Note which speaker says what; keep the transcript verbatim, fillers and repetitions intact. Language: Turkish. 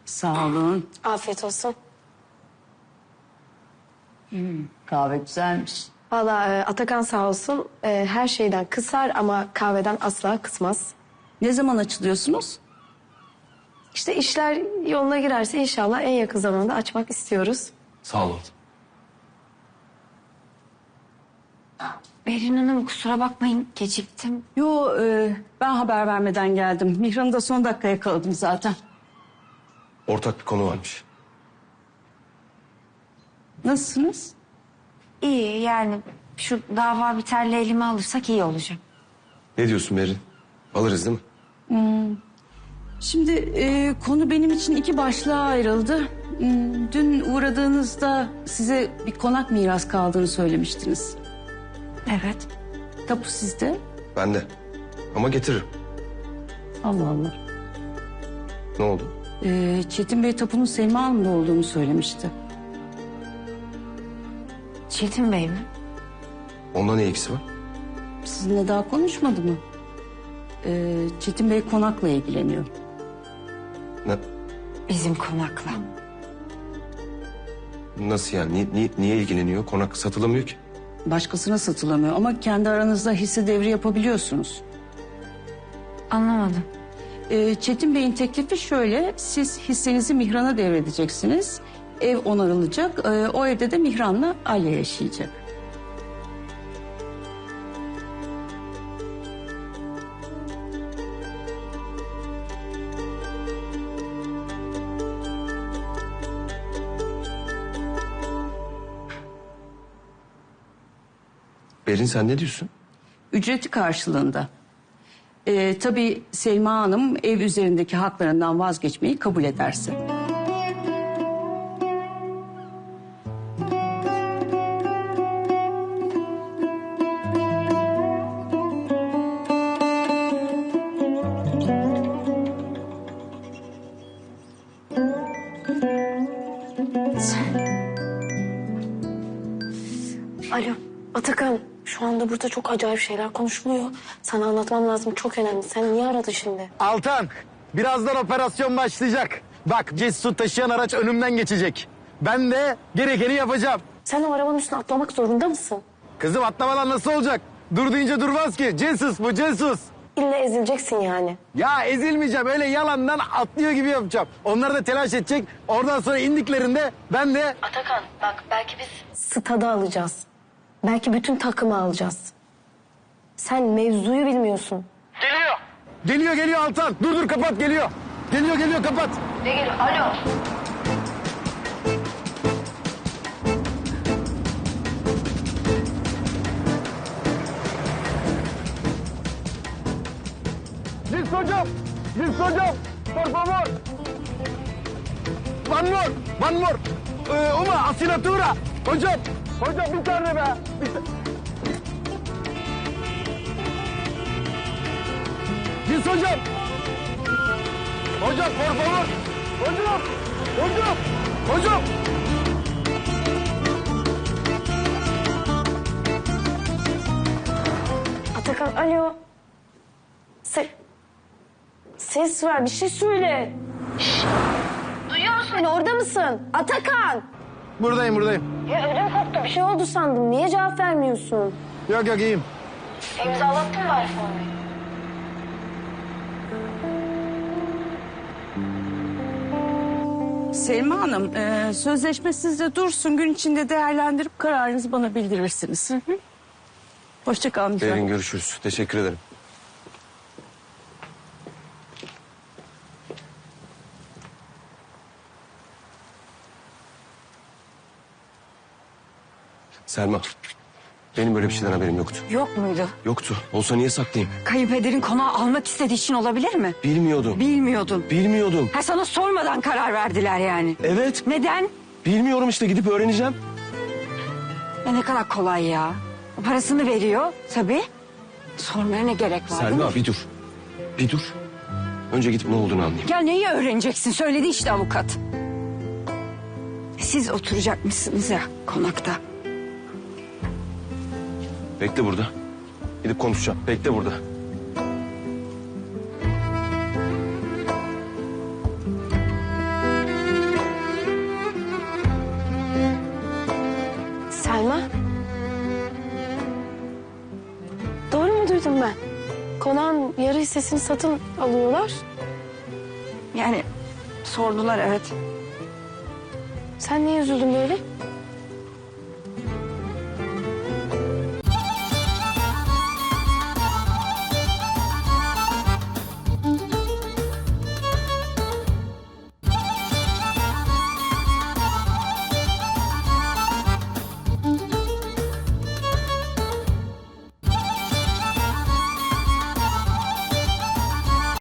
Speaker 1: Sağ olun.
Speaker 2: Afiyet olsun.
Speaker 1: Hmm, kahve güzelmiş.
Speaker 2: Vallahi e, Atakan sağ olsun e, her şeyden kısar ama kahveden asla kısmaz.
Speaker 1: Ne zaman açılıyorsunuz?
Speaker 2: İşte işler yoluna girerse inşallah en yakın zamanda açmak istiyoruz.
Speaker 3: Sağ olun.
Speaker 4: Berin Hanım kusura bakmayın geciktim.
Speaker 1: Yo, e, ben haber vermeden geldim. Mihran'ı da son dakika yakaladım zaten.
Speaker 3: Ortak bir konu varmış.
Speaker 1: Nasılsınız?
Speaker 4: İyi yani şu dava biterle elime alırsak iyi olacak.
Speaker 3: Ne diyorsun Berin? Alırız değil mi?
Speaker 1: Şimdi e, konu benim için iki başlığa ayrıldı. Hmm, dün uğradığınızda size bir konak miras kaldığını söylemiştiniz.
Speaker 4: Evet.
Speaker 1: Tapu sizde.
Speaker 3: Ben de. Ama getiririm.
Speaker 1: Allah Allah.
Speaker 3: Ne oldu?
Speaker 1: E, Çetin Bey tapunun Selma Hanım'da olduğunu söylemişti.
Speaker 4: Çetin Bey mi?
Speaker 3: Onda ne ilgisi var?
Speaker 1: Sizinle daha konuşmadı mı? E, Çetin Bey konakla ilgileniyor.
Speaker 3: Ne?
Speaker 4: Bizim konakla.
Speaker 3: Nasıl yani? Niye, niye, niye ilgileniyor? Konak satılamıyor ki.
Speaker 1: Başkasına satılamıyor ama kendi aranızda hisse devri yapabiliyorsunuz.
Speaker 4: Anlamadım.
Speaker 1: Ee, Çetin Bey'in teklifi şöyle, siz hissenizi Mihran'a devredeceksiniz. Ev onarılacak, ee, o evde de Mihran'la Alya yaşayacak.
Speaker 3: Berin sen ne diyorsun?
Speaker 1: Ücreti karşılığında. Ee, tabii Selma Hanım ev üzerindeki haklarından vazgeçmeyi kabul ederse.
Speaker 2: Alo Atakan, şu anda burada çok acayip şeyler konuşuluyor. Sana anlatmam lazım, çok önemli. Sen niye aradın şimdi?
Speaker 5: Altan, birazdan operasyon başlayacak. Bak, Cesut taşıyan araç önümden geçecek. Ben de gerekeni yapacağım.
Speaker 2: Sen o arabanın üstüne atlamak zorunda mısın?
Speaker 5: Kızım atlamadan nasıl olacak? Dur deyince durmaz ki. Cesus bu, Cesus.
Speaker 2: İlla ezileceksin yani.
Speaker 5: Ya ezilmeyeceğim, öyle yalandan atlıyor gibi yapacağım. Onlar da telaş edecek. Oradan sonra indiklerinde ben de...
Speaker 2: Atakan bak, belki biz stada alacağız. Belki bütün takımı alacağız. Sen mevzuyu bilmiyorsun.
Speaker 5: Geliyor. Geliyor, geliyor Altan. Dur dur, kapat, geliyor. Geliyor, geliyor, kapat.
Speaker 2: Ne geliyor? Alo.
Speaker 5: Cins hocam, Cins hocam. Por favor. One more, one more. Ee, uma asinatura. Hocam, hocam bir tane be. Bir ta- Cins hocam. Hocam, por favor. Hocam, hocam, hocam.
Speaker 2: Atakan alo. Se Ses ver, bir şey söyle. Şşş. Duyuyor musun beni, orada mısın? Atakan.
Speaker 5: Buradayım, buradayım.
Speaker 2: Ya ödüm koptu, bir şey oldu sandım. Niye cevap vermiyorsun?
Speaker 5: Yok yok, iyiyim.
Speaker 2: İmzalattın mı iPhone'u?
Speaker 1: Selma Hanım, e, sözleşme sizde dursun. Gün içinde değerlendirip kararınızı bana bildirirsiniz. Hı hı. Hoşça kalın.
Speaker 3: Berin görüşürüz. Teşekkür ederim. Selma, benim böyle bir şeyden haberim yoktu.
Speaker 4: Yok muydu?
Speaker 3: Yoktu. Olsa niye saklayayım?
Speaker 4: Kayınpederin konağı almak istediği için olabilir mi?
Speaker 3: Bilmiyordum.
Speaker 4: Bilmiyordun.
Speaker 3: Bilmiyordum.
Speaker 4: Ha sana sormadan karar verdiler yani.
Speaker 3: Evet.
Speaker 4: Neden?
Speaker 3: Bilmiyorum işte, gidip öğreneceğim.
Speaker 4: Ya ne kadar kolay ya. Parasını veriyor tabii. Sormaya ne gerek var? değil mi?
Speaker 3: Selma bir dur. Bir dur. Önce gidip ne olduğunu anlayayım.
Speaker 4: Ya neyi öğreneceksin? Söyledi işte avukat. Siz oturacakmışsınız ya konakta.
Speaker 3: Bekle burada. Gidip konuşacağım. Bekle burada.
Speaker 2: duydum ben. Konağın yarı hissesini satın alıyorlar.
Speaker 4: Yani sordular evet.
Speaker 2: Sen niye üzüldün böyle?